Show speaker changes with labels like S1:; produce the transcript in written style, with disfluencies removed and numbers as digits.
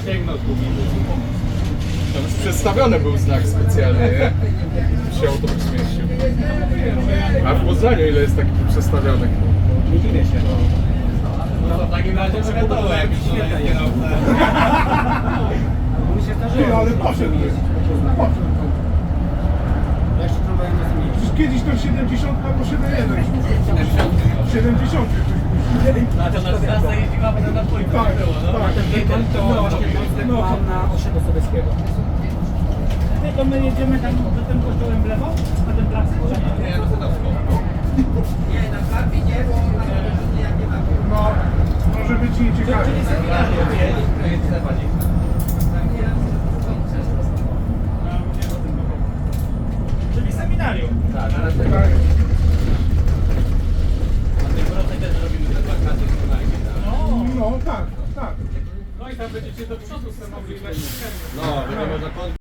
S1: Tam już przedstawiony był znak specjalny, nie? Się autobus mieścił. A w Poznaniu ile jest takich przestawionych?
S2: Nie dziwię się.
S3: No w takim razie przygotował jakiś świetny kierowca.
S2: Mi się zdarzyło.
S4: Ale poszedł.
S2: Ja jeszcze tramwajem nie zmieniłem.
S4: Przecież kiedyś to 70 albo 71. 70.
S3: No to na trasa jeździła, potem na dwójkę
S4: Tak,
S3: było, no.
S4: tak.
S3: Jeden to
S2: Mam na osiedlu Sobieskiego.
S5: To my jedziemy tam do tym kościołem w lewo, na ten plac?
S3: Nie, no Sadowską.
S4: No, może być nieciekawie.
S5: Czyli seminarium.
S3: Tak, teraz
S4: Tak.
S3: na tej prostej też robimy te plakaty z Konarki, tak.
S4: No, tak, tak.
S5: No i tam będziecie do przodu sobie mogli wejść.
S3: No, będę można